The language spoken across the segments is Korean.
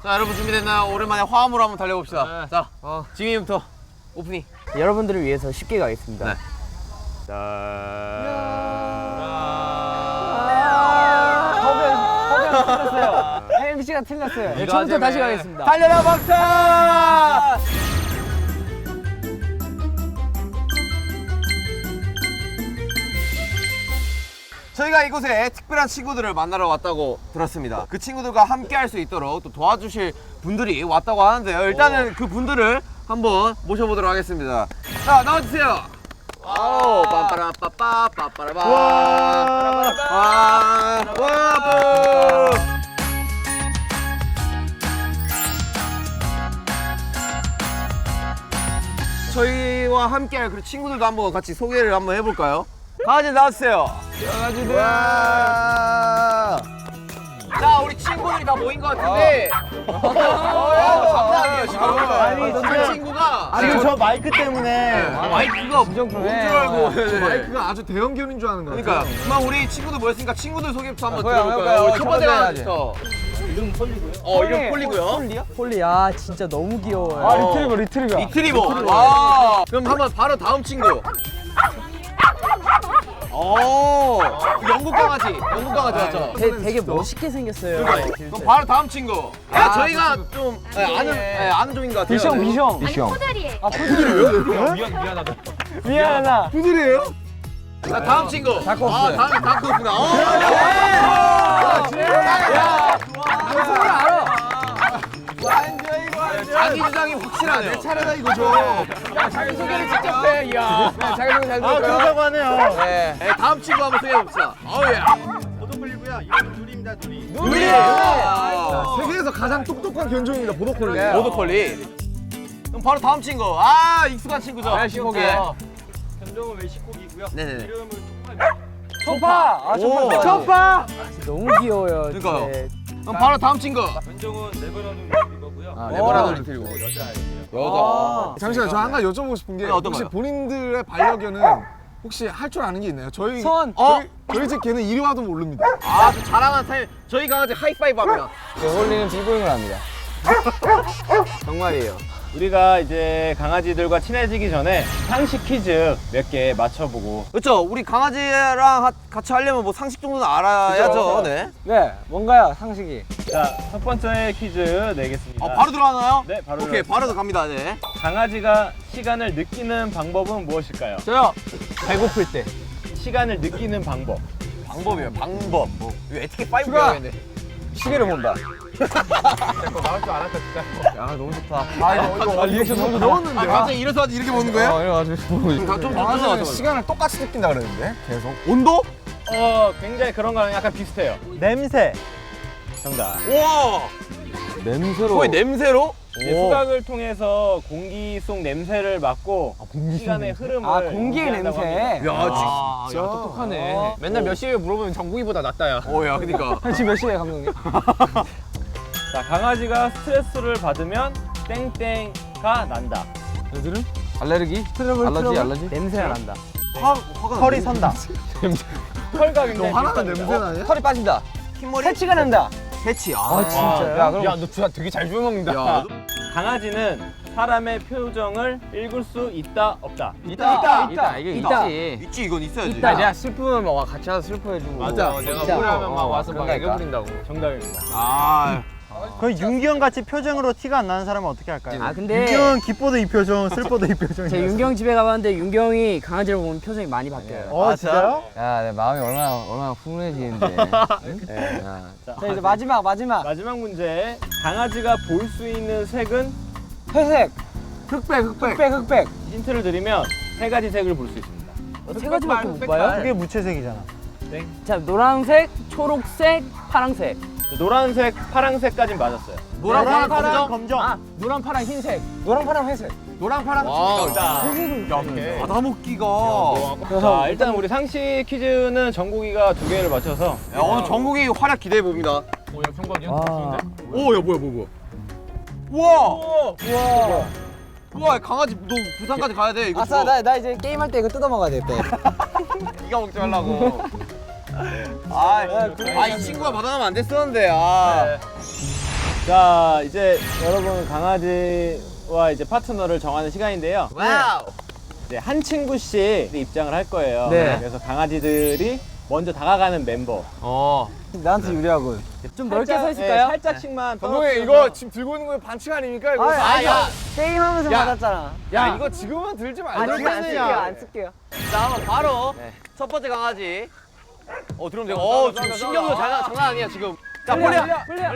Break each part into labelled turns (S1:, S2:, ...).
S1: 자, 여러분 준비됐나요? 오랜만에 화음으로 한번 달려봅시다. 네. 자, 지금부터 오프닝.
S2: 여러분들을 위해서 쉽게 가겠습니다.
S1: 네.
S2: 허변 틀렸어요. MC가 틀렸어요. 네, 처음부터 다시 가겠습니다.
S1: 달려라 박사! 저희가 이곳에 특별한 친구들을 만나러 왔다고 들었습니다. 그 친구들과 함께 할 수 있도록 또 도와주실 분들이 왔다고 하는데요. 일단은 그 분들을 한번 모셔보도록 하겠습니다. 자, 나와주세요. 오, 빰빠라빠빠, 빠빠라빠. 와, 저희와 함께할 그 친구들도 한번 같이 소개를 한번 해볼까요? 강아지 나와주세요. 강아지들. 자, 우리 친구들이 다 모인 것 같은데. 장난 아니에요 지금.
S2: 아니,
S1: 저 친구가
S3: 지금 저 마이크 때문에
S1: 마이크가 뭔 줄 알고.
S3: 마이크가 아주 대형견인 줄 아는 거야.
S1: 그러니까 그만 우리 친구들 모였으니까 친구들 소개부터 한번
S2: 해볼까요?
S1: 들어볼까요? 우리 첫 번째
S2: 해야지.
S1: 강아지부터. 이름 폴리고요.
S2: 폴리, 아 진짜 너무 귀여워요.
S3: 아 리트리버.
S1: 리트리버. 와. 그럼 한번 바로 다음 친구. 오, 영국 강아지 맞죠?
S2: 되게 멋있게 생겼어요.
S1: 그럼 바로 다음 친구. 저희가 좀 아는 종인 것 같아요.
S2: 비숑.
S4: 푸들이에요.
S2: 미안하다.
S3: 푸들이에요?
S1: 자, 다음 친구.
S2: 다크호스.
S1: 다음이 다크호스다. 자기 주장이 확실하네요.
S3: 내 차례다 이거죠.
S2: 자기소개를 직접 해, 이야. 자기소개 잘
S3: 아 그러자고 하네요.
S1: 네, 다음 친구 한번 소개해봅시다. 어우야.
S3: 보도콜리고요. 이름은 둘입니다. 둘이.
S1: 누리예요.
S3: 세계에서 가장 똑똑한 견종입니다. 보도콜리.
S1: 보더콜리. 그럼 바로 다음 친구. 익숙한 친구죠.
S2: 멕시코기.
S5: 견종은 멕시코기고요.
S1: 네네네.
S5: 이름은 초파입니다.
S2: 초파.
S1: 오.
S2: 초파. 너무 귀여워요.
S1: 그러니까요.
S2: 네.
S1: 그럼 바로 다음 친구.
S5: 견종은 네버라드 리트리버고요.
S1: 레버라드
S2: 오.
S1: 리트리버.
S5: 여자아이예요.
S1: 여자.
S3: 잠시만 저 한 가지 여쭤보고 싶은 게
S1: 어떤
S3: 혹시
S1: 거요?
S3: 본인들의 반려견은 혹시 할 줄 아는 게 있나요? 저희 저희 집 개는 이리 와도 모릅니다.
S1: 좀 자랑하는 타임. 저희 강아지 하이파이브 합니다.
S2: 홀리는 비보잉을 합니다. 정말이에요.
S5: 우리가 이제 강아지들과 친해지기 전에 상식 퀴즈 몇 개 맞춰보고.
S1: 그렇죠. 우리 강아지랑 같이 하려면 뭐 상식 정도는 알아야죠. 네.
S2: 네, 뭔가요 상식이?
S5: 자, 첫 번째 퀴즈 내겠습니다.
S1: 바로 들어가나요?
S5: 네, 바로
S1: 오케이,
S5: 들어가겠습니다.
S1: 바로 갑니다. 네.
S5: 강아지가 시간을 느끼는 방법은 무엇일까요?
S2: 저요. 배고플 때.
S5: 시간을 느끼는 방법.
S1: 방법이에요. 방법. 뭐 이거 에티켓 5
S2: 추가.
S1: 배워야겠네.
S2: 시계를 본다.
S1: 야, 너무 좋다.
S3: 이거 리액션 너무 넣었는데.
S1: 갑자기 일어서 이렇게 보는 거예요?
S2: 이래가지고.
S1: 좀
S3: 강아지는 시간을 똑같이 느낀다 그러는데 계속.
S1: 온도?
S5: 굉장히 그런 거랑 약간 비슷해요. 냄새. 정답.
S1: 우와.
S2: 냄새로.
S1: 거의 냄새로?
S5: 이제 수각을 통해서 공기 속 냄새를 맡고 시간의 흐름을
S2: 공기의
S5: 인지한다고
S2: 냄새.
S5: 합니다.
S1: 야,
S3: 진짜
S2: 똑똑하네.
S1: 맨날 몇 시에 물어보면 정국이보다 낫다, 야. 야, 그니까.
S2: 지금 몇 시에 감독님?
S5: 자, 강아지가 스트레스를 받으면 땡땡가 난다.
S2: 애들은? 알레르기? 알러지? 냄새가 난다.
S3: 털이 선다.
S5: 털과 굉장히
S3: 화나는
S5: 비슷합니다.
S3: 냄새 나냐?
S2: 털이 빠진다.
S1: 흰머리?
S2: 새치가 난다.
S1: 패치.
S2: 진짜요?
S1: 야, 너 진짜 되게 잘 주워먹는다. 야,
S5: 강아지는 사람의 표정을 읽을 수 있다 없다.
S2: 있다. 이게
S1: 있다.
S2: 있지.
S1: 있지, 이건 있어야지.
S2: 있다. 내가 슬프면 막 같이 와서 슬퍼해주고.
S1: 맞아. 내가 우울하면 막 와서 막 애교 부린다고.
S5: 정답입니다.
S3: 그 윤기형 같이 표정으로 티가 안 나는 사람은 어떻게 할까요?
S2: 아 근데
S3: 윤기형은 기뻐도 이 표정, 슬퍼도 이 표정.
S2: 제 윤경 집에 가봤는데 윤경이 강아지를 보면 표정이 많이 바뀌어요.
S3: 진짜요?
S2: 야, 내 마음이 얼마나 훈훈해지는데. 자, 이제 마지막.
S5: 마지막 문제. 강아지가 볼 수 있는 색은
S2: 회색. 흑백.
S5: 힌트를 드리면 세 가지 색을 볼 수 있습니다.
S2: 세 가지밖에 못 봐요?
S3: 그게 무채색이잖아.
S2: 자, 노란색, 초록색, 파랑색.
S5: 노란색, 파랑색까지는 맞았어요.
S1: 노랑, 파랑,
S3: 검정.
S2: 아, 노란, 파랑, 흰색. 노랑, 파랑, 회색.
S1: 노랑, 파랑. 와,
S5: 자,
S1: 받아먹기가.
S5: 자, 일단 우리 상식 퀴즈는 정국이가 2개를 맞춰서
S1: 야, 오늘 전국이 활약 기대해봅니다.
S2: 와.
S1: 오, 야, 뭐야. 우와! 우와, 강아지, 너 부산까지 가야 돼. 이거
S2: 아싸,
S1: 줘.
S2: 나 이제 게임할 때 이거 뜯어 먹어야 돼.
S1: 네가 먹지 말라고. 이 친구가 받아가면 안 됐었는데.
S5: 자, 이제 여러분 강아지와 이제 파트너를 정하는 시간인데요.
S1: 와우.
S5: 이제 한 친구씩 입장을 할 거예요.
S2: 네.
S5: 그래서 강아지들이 먼저 다가가는 멤버.
S2: 나한테 유리하군. 좀 넓게
S5: 살짝,
S2: 서 있을까요?
S5: 살짝씩만.
S3: 감독님 이거 지금 들고 있는 거 반칙 아닙니까? 이거
S1: 야,
S2: 게임하면서
S3: 야.
S2: 받았잖아.
S3: 야 이거 지금은 들지 말고.
S2: 안 쓸게요.
S1: 자, 한번 바로 첫 번째 강아지. 들어오면 되고. 지금 신경도 장난 아니야 지금. 자, 폴리야. 폴리야.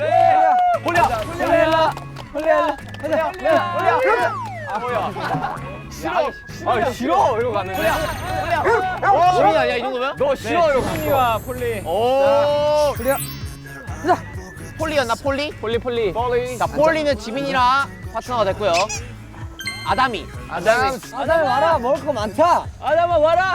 S1: 싫어 이러고 갔는데. 지민아, 야, 이 정도면? 너 싫어 이러고 갔어.
S5: 지민이와 폴리.
S1: 오. 폴리였나 폴리? 폴리. 자, 폴리는 지민이랑 파트너가 됐고요. 아담이.
S2: 아담이 와라. 먹을 거 많다.
S5: 아담아 와라.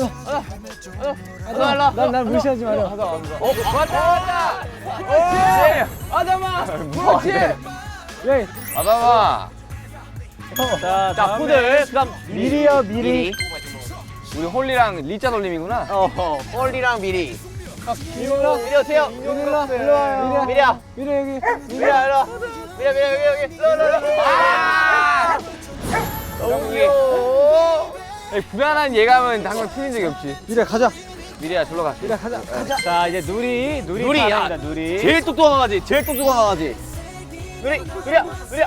S1: 아담아.
S2: 난 무시하지 마라.
S1: 왔다.
S5: 아담아.
S1: 그렇지.
S2: 예.
S1: 아담아.
S5: 자,
S1: 자, 푸들. 그다음
S2: 미리요, 미리.
S1: 우리 홀리랑 리자 돌림이구나. 홀리랑 미리. 미리 오세요.
S2: 일로 와요.
S1: 미리야.
S2: 미리 여기.
S1: 미리야, 일로 와. 미리야, 여기. 일로. 아! 너무 귀여워. 불안한 예감은 항상 틀린 적이 없지.
S2: 미리 가자.
S1: 미리야, 절로 가.
S2: 미리 가자.
S5: 자, 이제 누리
S1: 야.
S5: 사랑입니다, 누리.
S1: 제일 똑똑한 강아지. 누리야.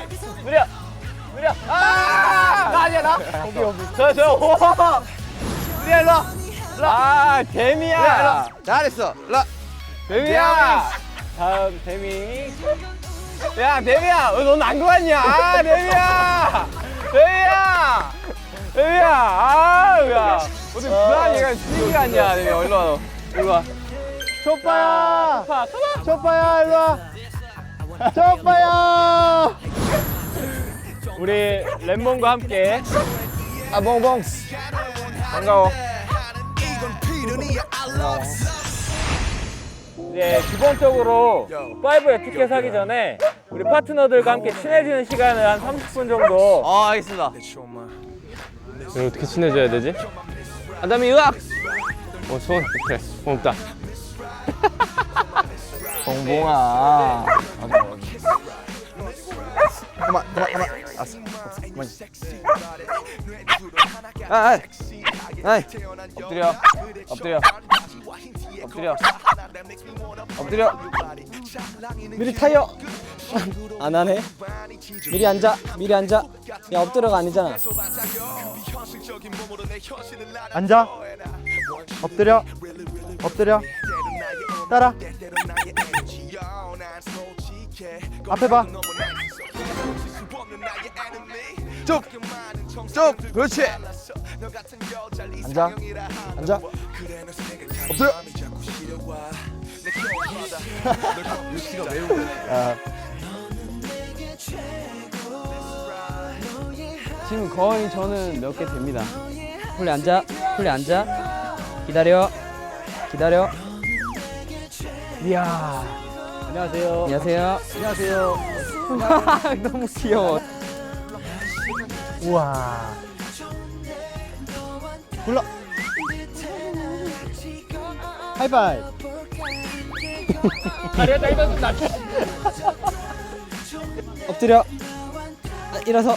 S1: 나 아니야, 나. 여기. 저. 누리야, 일로 와.
S5: 아, 데미야.
S1: 잘했어. 일로 와.
S5: 데미야. 다음 데미. 야, 데미야. 넌 안 좋았냐? 데미야. 아, 야. 어디 불안한 얘가 지기 같냐? 데미야, 일로 와. 초빠야, 일로 와. 초빠야. 우리 램몬과 함께.
S3: 봉봉. 반가워.
S5: 이제 기본적으로 5에 티켓 하기 전에 우리 파트너들과 함께 친해지는 시간을 한 30분 정도.
S1: 알겠습니다.
S5: 이걸 어떻게 친해져야 되지? 아담이 으악! 손. 그래, 고맙다.
S2: 봉봉아.
S3: 그만. 알았어. 그만.
S1: 엎드려.
S2: 미리 타요. 안 하네. 미리 앉아. 야, 엎드려가 아니잖아.
S4: 앉아. 엎드려. 따라. 앞에 봐.
S1: 쭉. 그렇지.
S2: 앉아.
S3: 엎드려.
S2: 지금 거의 저는 몇 개 됩니다. 폴리 앉아. 기다려. 이야. 안녕하세요. 너무 귀여워.
S4: 우와.
S2: 불러.
S4: 하이파이브.
S2: 엎드려. 일어서.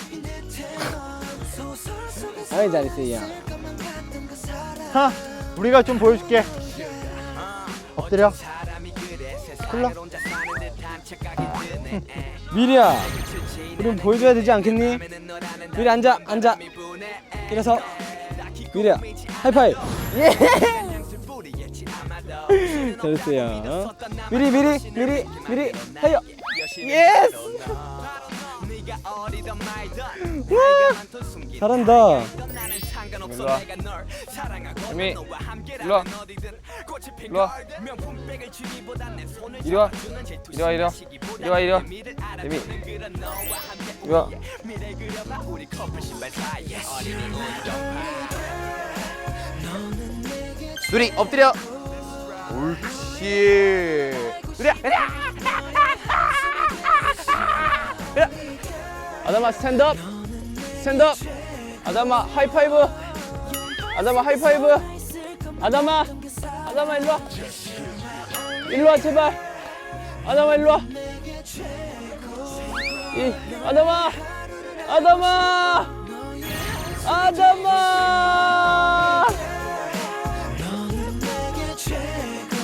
S2: 아이, 잘했어요.
S4: 하. 우리가 좀 보여줄게. 엎드려. 불러.
S2: 미리야, 우리 보여줘야 되지 않겠니? 미리 앉아. 일어서. 미리야, 하이파이브. 예. 잘했어요. 미리 하여. 예스. 잘한다.
S1: 일로 와. 재미. 일로 와. 이리 와. 재미. 이리 와. 누리 엎드려. 옳지. 누리야.
S5: 아담아 스탠드업. 아담아 하이파이브. 아담아 일로 와 제발. 아담아 일로 와. 아담아! 아담아! 아담아!
S6: 너는 내게 최고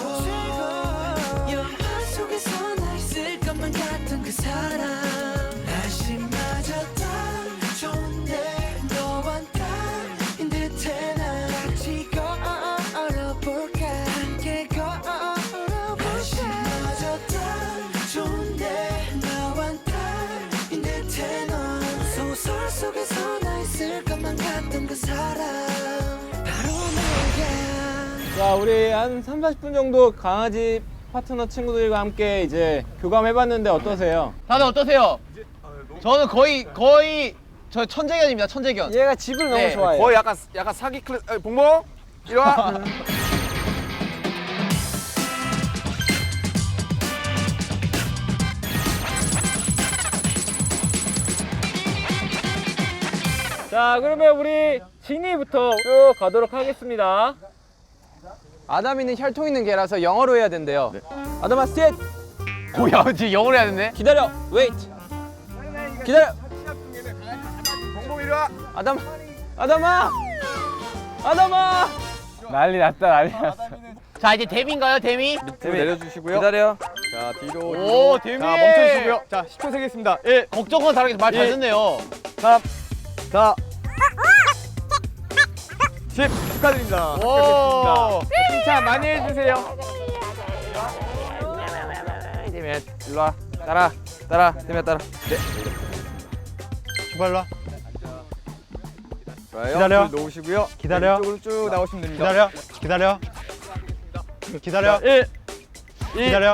S6: 영화 속에서 나 있을 것만 같던 그 사람 날씨마저 딱 좋은데 너와 나인 듯해 난 같이 걸어볼까 함께 걸어볼까 날씨마저 딱 좋은데 너와 나인 듯해 넌 소설 속에서 나 있을 것만 같던 그 사람 바로 너야.
S5: 자, 우리 한 3, 40분 정도 강아지 파트너 친구들과 함께 이제 교감해봤는데 어떠세요?
S1: 다들 어떠세요? 저는 거의 저 천재견입니다. 천재견.
S2: 얘가 집을
S1: 네,
S2: 너무 좋아해.
S3: 거의 약간 사기 클래스. 봉봉 이리 와.
S5: 자, 그러면 우리 진이부터 쭉 가도록 하겠습니다.
S2: 아담이는 혈통 있는 개라서 영어로 해야 된대요. 아담아 sit.
S1: 뭐야, 지금 영어로 해야 되네.
S2: 기다려. wait. 기다려.
S3: 봉봉 이리 와.
S2: 아담아. 아담아.
S5: 난리 났다, 난리 났어.
S1: 자, 이제 데미인가요, 데미?
S3: 내려주시고요.
S2: 기다려.
S3: 자 뒤로.
S1: 오, 데미.
S3: 자 멈춰주시고요. 자 10초 세겠습니다. 1,
S1: 걱정과 다르게 말 잘 듣네요.
S3: 3, 4, 10 축하드립니다.
S1: 오.
S5: 칭찬 많이 해주세요.
S2: 데미야 일로 와. 따라. 데미야 따라.
S4: 주발로 와.
S3: 좋아요.
S4: 기다려.
S3: 줄 놓으시고요.
S4: 기다려.
S3: 이쪽으로 쭉 나오시면 됩니다.
S4: 기다려.
S3: 1,
S4: 기다려.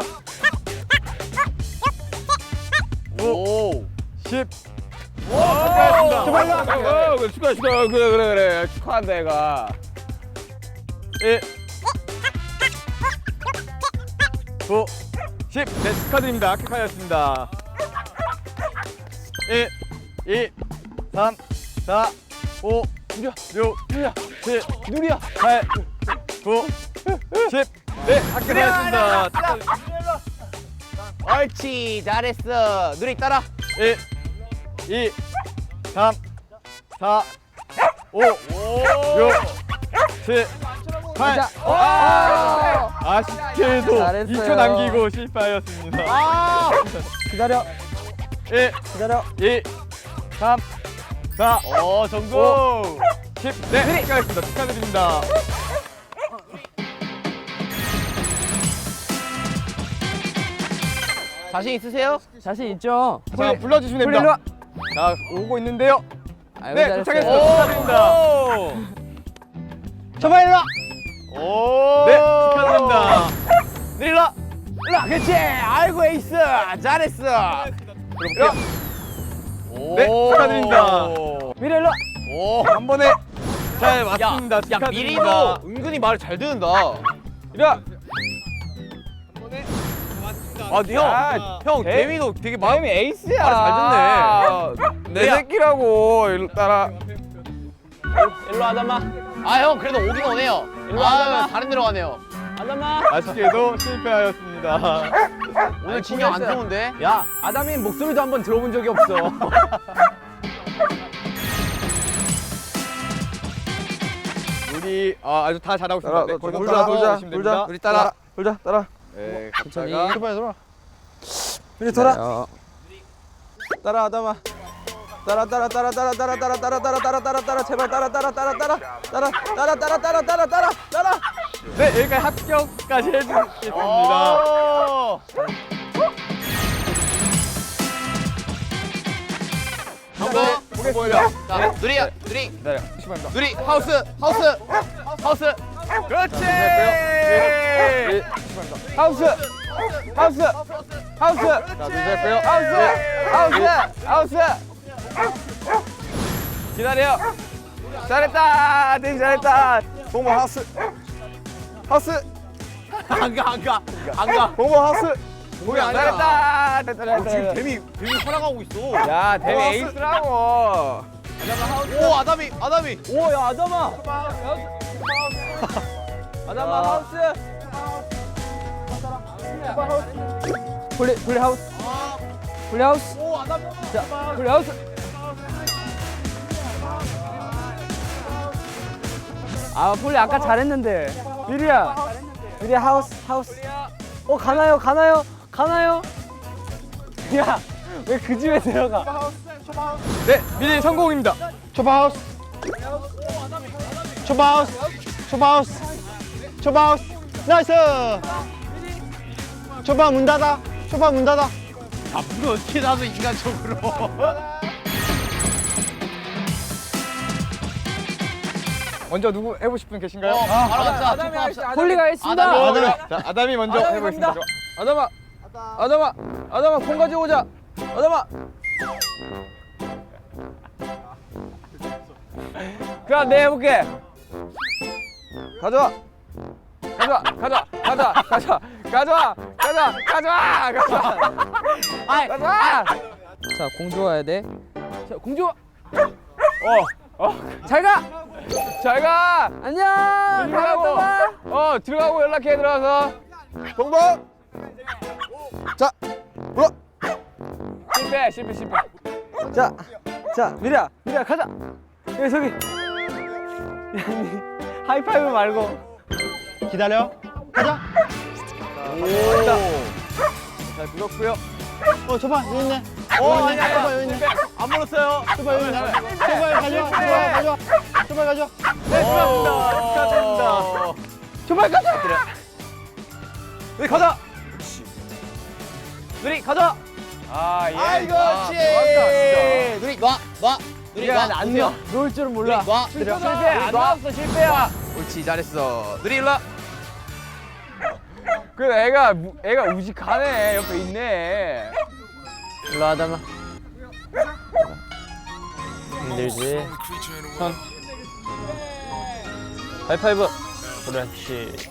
S1: 5,
S3: 10.
S5: 축하한다. 그래. 축하한다, 얘가.
S3: 1, 9, 10. 네, 축하드립니다. 합격하였습니다. 1, 2, 3, 4, 5, 6, 7,
S5: 누리야.
S3: 8, 9, 10. 네, 합격하였습니다.
S1: 옳지, 잘했어. 누리 따라.
S3: 1, 2, 3, 4, 5, 6, 7, 8. 아쉽게도
S2: 잘했어요.
S3: 2초 남기고 실패하였습니다.
S4: 기다려.
S3: 1,
S4: 기다려.
S3: 2, 3, 4,
S1: 성공.
S3: 10. 네, 축하했습니다. 축하드립니다.
S1: 자신 있으세요?
S2: 자신 있죠?
S3: 자, 불러주시면 됩니다. 자, 오고 있는데요.
S2: 아이고,
S3: 네,
S2: 잘했어요.
S3: 도착했습니다. 축하드립니다.
S4: 저봐 일로 와.
S3: 네, 축하드립니다.
S1: 일로 와. 그렇지. 아이고, 에이스. 잘했어.
S3: 네, 축하드립니다.
S1: 미래 일로 와. 오.
S3: 한 번에 잘 맞습니다.
S1: 야,
S3: 축하드립니다.
S1: 미리도 은근히 말을 잘 듣는다.
S3: 이리 와.
S1: 아, 형, 데미도 되게 마음이
S5: 에이스야.
S1: 말을 잘 듣네.
S3: 내 새끼라고. 일로 따라.
S5: 일로 아담아.
S1: 아, 형, 그래도 오긴 오네요.
S5: 일로 와봐.
S1: 다른 데로 가네요.
S5: 아담아.
S3: 아쉽게도 실패하였습니다.
S1: 오늘 진영 안 좋은데?
S2: 야, 아담이 목소리도 한번 들어본 적이 없어.
S3: 우리 아주 다 잘하고 있습니다. 네, 거기서
S2: 돌자.
S3: 따라오시면 됩니다.
S1: 우리 따라.
S2: 따라.
S3: 네,
S2: 천천히.
S3: 갔다가
S2: 우리 돌아. 따라 아담아. 따라 제발 따라.
S3: 네, 여기까지 합격까지 해주겠습니다.
S1: 오. 성공.
S3: 보겠습니다.
S1: 자, 누리야, 누리. 누리, 하우스. 그렇지.
S3: 하우스. 자, 누르셨고요.
S1: 하우스.
S3: 기다려. 잘했다. 되게 잘했다. 봉모 하우스.
S1: 안 가.
S3: 봉모 하우스. 봉모 안
S1: 잘했다.
S3: 잘했다.
S1: 지금 데미 살아가고 있어.
S3: 야, 데미 에이스라고.
S1: 오, 아담이.
S2: 오, 야, 아담아. 아담아 하우스. 플레이 하우스. 풀하우스. 자, 풀하우스. 아, 풀리 아까 잘했는데. 미리야. 미리야 하우스. 가나요? 야, 왜 그 집에 들어가?
S3: 네, 미리 성공입니다. 초바하우스.
S4: 나이스. 초바 문 닫아.
S3: 앞으로 어떻게 나도 인간적으로. 먼저 누구 해보고 싶은 계신가요?
S1: 아담이 합시다.
S2: 폴리가 했습니다.
S3: 자, 아담이 먼저 해보겠습니다.
S1: 아담아 콩 가지고 오자. 아담아.
S2: 그럼 내가 해볼게.
S1: 가져와.
S2: 자, 공주 와야 돼. 자, 공주. 잘 가. 안녕.
S1: 들어가고. 들어가고 연락해 들어가서. 동범. 자, 물어. 실패.
S2: 자, 미리야 가자. 여기 저기. 하이파이브 말고.
S4: 기다려. 가자.
S1: 잘 불었고요.
S4: 초바 여기 있네.
S1: 아니야.
S4: 초바 여기 있네.
S1: 안 물었어요.
S4: 초바 여기 있네. 초바 가져와.
S1: 축하드립니다. 정말 가자. 우리 가자. 누리 가자.
S3: 아이고,
S1: 누리 놔. 누리 안 넣어.
S2: 놓을 줄은 몰라.
S1: 실패. 안 나왔어. 실패야. 옳지 잘했어. 누리 일로 와.
S2: 그 애가 우직하네. 옆에 있네. 일로 하다마. 힘들지. 손. 하이파이브. 그렇지.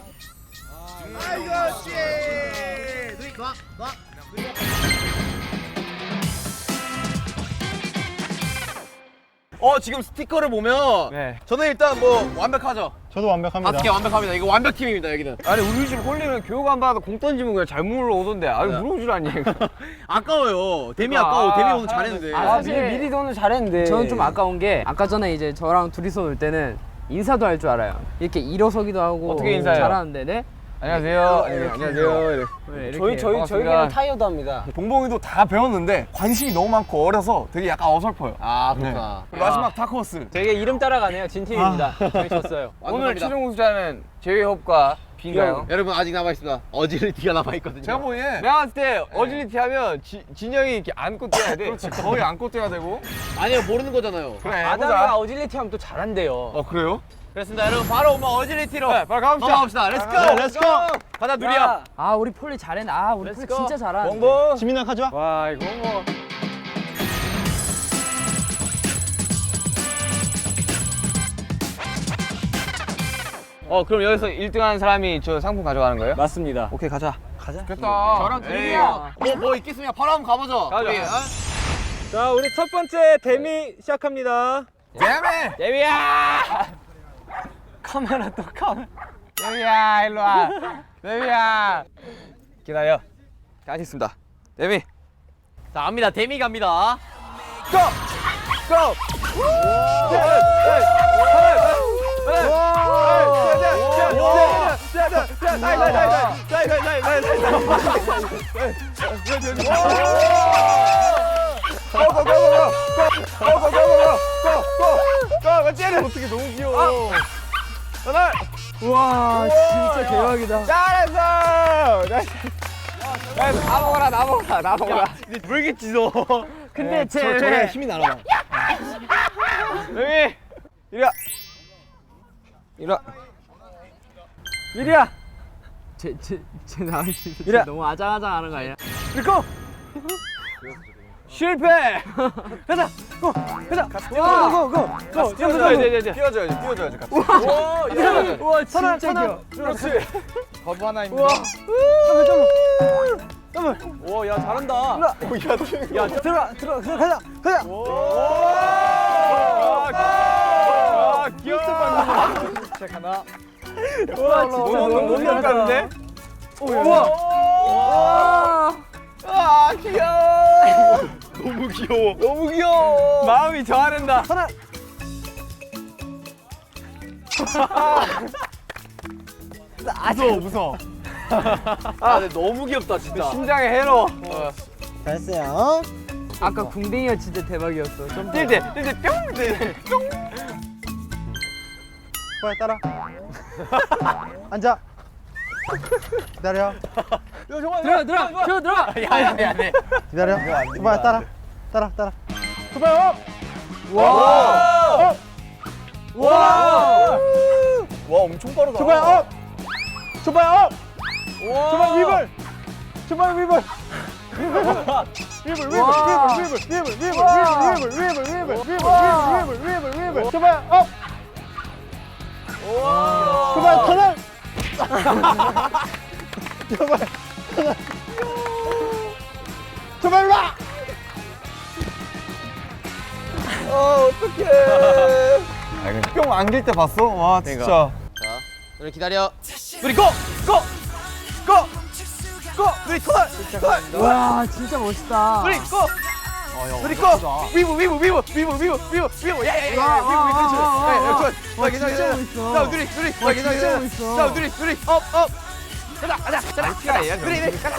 S1: 지금 스티커를 보면
S2: 네.
S1: 저는 일단 뭐 완벽하죠.
S4: 저도 완벽합니다.
S1: 5개 완벽합니다. 이거 완벽팀입니다 여기는.
S2: 아니 우리 집 홀리는 교육 안 받아도 공 던지면 그냥 잘 물어오던데. 아니 물어오질 않니?
S1: 아까워요. 데미 아까워. 데미 오늘 잘했는데.
S2: 사실 미리 오늘 잘했는데. 저는 좀 아까운 게 아까 전에 이제 저랑 둘이서 놀 때는 인사도 할 줄 알아요. 이렇게 일어서기도 하고.
S5: 어떻게 인사해요?
S2: 잘하는데, 네?
S1: 안녕하세요.
S2: 안녕하세요. 저희는 타이어도 합니다.
S3: 동봉이도 다 배웠는데 관심이 너무 많고 어려서 되게 약간 어설퍼요.
S1: 아 그렇구나.
S3: 그리고 마지막 다크호스.
S2: 되게 이름 따라가네요. 진 팀입니다. 저희 졌어요.
S1: 오늘
S2: 최종 우승자는 제이홉과 빈가요?
S1: 여러분 아직 남아 있습니다. 어질리티가 남아 있거든요.
S3: 제가 보기에
S2: 내가 봤을 때 어질리티 하면 진영이 이렇게 안고 뛰어야 돼.
S3: 그렇지, 거의 안고 뛰어야 되고.
S1: 아니요 모르는 거잖아요.
S3: 그래,
S2: 아담이가
S3: 해보자.
S2: 어질리티 하면 또 잘한대요.
S3: 그래요?
S1: 그렇습니다. 여러분 바로 뭐 어질리티로
S3: 바로 가봅시다.
S1: 넘어갑시다. 렛츠고.
S3: 네, 렛츠고.
S1: 가자 누리야.
S2: 아 우리 폴리 잘했네. 아 우리 폴리 진짜 잘하는데.
S3: 봉봉.
S4: 지민아 가져와.
S2: 와 이거 뭐. 그럼 여기서 1등하는 사람이 저 상품 가져가는 거예요? 맞습니다. 오케이 가자.
S3: 됐다.
S1: 저랑 둘이야. 뭐 있겠습니까? 바로 한번 가보죠.
S2: 가자.
S1: 우리,
S5: 자, 우리 첫 번째 데미 시작합니다.
S3: 잼에.
S2: 데뷔야! 카메라 또 카메라. 데뷔야 일로 와. 데뷔야. 기다려. 가겠습니다. 데뷔.
S1: 자 갑니다. 데미 갑니다.
S3: 어떻게 너무 귀여워.
S2: 와 진짜 대박이다.
S3: 잘했어.
S2: 나 먹어라 나 먹어라 나 먹어라.
S1: 물겠지 너.
S2: 근데
S3: 저래 힘이 날아와.
S2: 데뷔. 이리와. 이리와. 이리야. 제 나을 때 너무 아장아장하는 거 아니야? 이거. 실패. 가자. 가자. 고.
S3: 뛰어줘야지. 같이.
S2: 우와 진짜 귀여워.
S3: 그렇지. 거부 하나입니다.
S2: 오, 야 잘한다.
S3: 야,
S2: 들어 가자.
S3: 귀엽다.
S2: 시작하나.
S3: 와, 진짜 너무 귀엽다는데?
S2: 우와.
S1: 와 귀여워. 너무 귀여워. 너무 귀여워.
S5: 마음이 저하는다.
S3: 무서워.
S1: 아 근데 너무 귀엽다 진짜.
S5: 심장에 해로.
S4: 잘했어요.
S2: 아까 궁뎅이가 진짜 대박이었어. 좀
S1: 뛸때 뿅 뛸때 뿅.
S4: 빨리 따라. 앉아. 기다려.
S2: 들어가.
S1: 야야야.
S4: 기다려. 초바야 따라. 따라.
S1: 와 엄청 빠르다.
S4: 초바야 업. 초바야 업. 초바 위볼. 초바 위볼. 위볼. 초바야 업. 초바야 터널. 초바야 와.
S3: 뿅 안길 때 봤어? 와 진짜.
S1: 우리 기다려. 우리 고! 우리 콜!
S2: 와 진짜 멋있다.
S1: 우리 고! 우리 고! 위브 야야야 위브 괜찮아. 자 둘이 괜찮아. 자 둘이 업 가자 둘이 가자.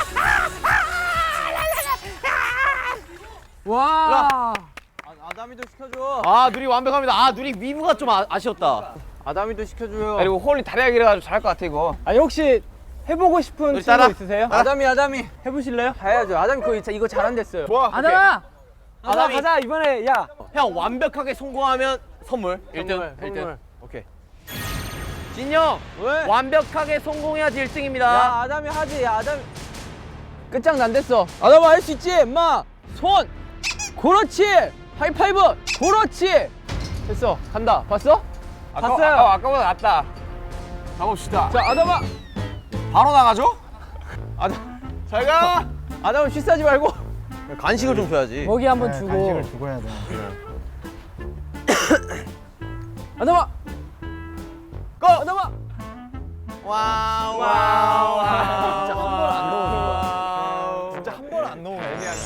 S2: 와.
S5: 아담이도 시켜줘.
S1: 아 누리 완벽합니다. 아 누리 위브가 좀 아쉬웠다.
S5: 아담이도 시켜줘요.
S1: 그리고 홀리 다리가 길어가지고 잘할 것 같아 이거.
S5: 아니 혹시 해보고 싶은 친구
S1: 따라.
S5: 있으세요?
S2: 아담이.
S5: 해보실래요?
S2: 해야죠. 아담이 이거 잘한댔어요.
S3: 좋아.
S2: 아담아.
S1: 아담이.
S2: 가자 이번에 야.
S1: 형 완벽하게 성공하면 선물 1등.
S2: 선물.
S1: 오케이. 진영
S5: 왜?
S1: 완벽하게 성공해야지 1등입니다.
S2: 야 아담이 하지. 야 아담. 끝장 난댔어. 아담아 할 수 있지. 엄마. 손. 그렇지. 하이파이브. 그렇지. 됐어. 간다. 봤어? 봤어요.
S1: 아까보다 낫다. 가봅시다.
S2: 자 아담아.
S1: 바로 나가죠? 잘 가.
S2: 아담아 쉬싸지 말고.
S1: 간식을 좀 줘야지.
S2: 먹이 한번 주고.
S4: 간식을 주고 해야 돼.
S2: 아담아.
S1: 고!
S2: 아담아.
S1: 와우.
S3: 진짜 한 번 안 넣으면 애매하네.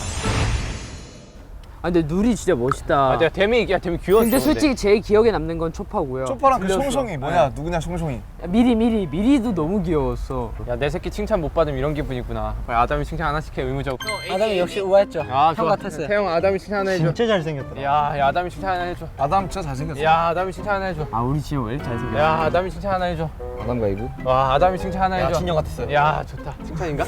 S2: 아 근데 누리 진짜 멋있다.
S5: 내가 데미 귀여웠어.
S2: 근데 솔직히 제일 기억에 남는 건 초파고요.
S3: 초파랑 그 송송이 뭐냐? 누구냐 송송이.
S2: 미리도 너무 귀여웠어.
S5: 야 내 새끼 칭찬 못 받으면 이런 기분이구나. 빨리 아담이 칭찬 하나씩 해 의무적으로.
S2: 아담이 역시 우아했죠.
S5: 아
S2: 형 같았어요.
S5: 태영 아담이 칭찬 하나 해줘.
S4: 진짜 잘생겼더라.
S5: 야 아담이 칭찬 하나 해줘.
S3: 아담 진짜 잘생겼어.
S5: 야 아담이 칭찬 하나 해줘.
S2: 아 우리 지금 왜 이렇게 잘생겼어?
S5: 야 아담이 칭찬 하나 해줘.
S1: 아담 가이브.
S5: 와 아담이 칭찬 하나 해줘.
S1: 진영 같았어요.
S5: 야 좋다. 칭찬인가?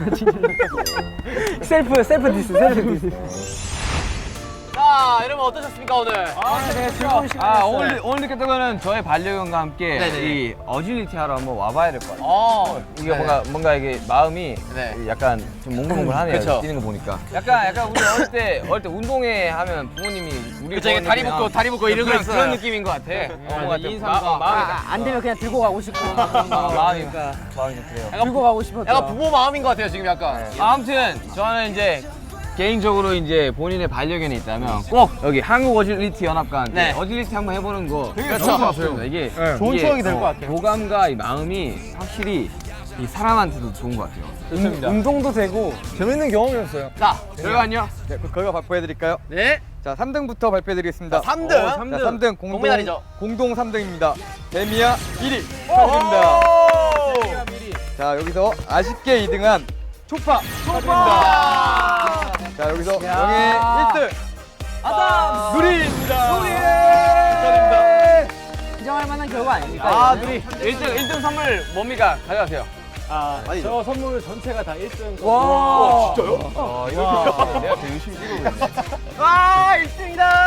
S2: 셀프 디스.
S1: 자, 여러분 어떠셨습니까 오늘?
S2: 네, 즐거운 시간이었어요.
S7: 오늘 느꼈던 거는 저의 반려견과 함께
S1: 네네.
S7: 이 어질리티 하러 한번 와봐야 될 것 같아요. 이게 뭔가 이게 마음이
S1: 네.
S7: 약간 좀 몽글몽글하네요.
S1: 그쵸.
S7: 뛰는 거 보니까. 약간 우리 어릴 때 운동회 하면 부모님이 우리
S1: 그쵸, 이게 다리 묶고 이런 거 있어요.
S7: 그런 느낌인 것 같아.
S1: 이 인삼과
S7: 마음이
S2: 안 되면 그냥 들고 가고 싶고.
S7: 마음이 좀 그래요.
S2: 들고 가고 싶었다.
S1: 약간 부모 마음인 것 같아요 지금 약간.
S7: 아무튼 저는 이제 개인적으로 이제 본인의 반려견이 있다면 꼭 여기 한국 어질리티 연합과 함께
S1: 네.
S7: 어질리티 한번 해보는 거
S3: 되게
S7: 그렇죠.
S3: 좋은 것 같아요.
S7: 이게
S4: 좋은 추억이 될것 같아요.
S7: 교감과 이 마음이 확실히 이 사람한테도 좋은 것 같아요.
S5: 좋습니다.
S2: 운동도 되고.
S3: 재밌는 경험이었어요.
S1: 자, 결과는요?
S7: 네, 결과 발표해드릴까요?
S1: 네.
S7: 자, 3등부터 발표해드리겠습니다.
S1: 3등.
S7: 자, 3등
S1: 동메달이죠.
S7: 공동 3등입니다. 데미아 1위 축하드립니다. 자, 여기서 아쉽게 2등한 초파 축하드립니다. 자, 여기서 영예 1등
S2: 아담.
S7: 누리입니다. 축하드립니다.
S2: 인정할 만한 결과 아닙니까?
S7: 아,
S2: 이거는?
S7: 누리 1등 선물 뭡니까? 가져가세요.
S5: 저 선물 전체가 다 1등.
S2: 와.
S7: 진짜요? 아, 이거 내가 더 열심히 찍어보겠네.
S1: 와, 1등이다.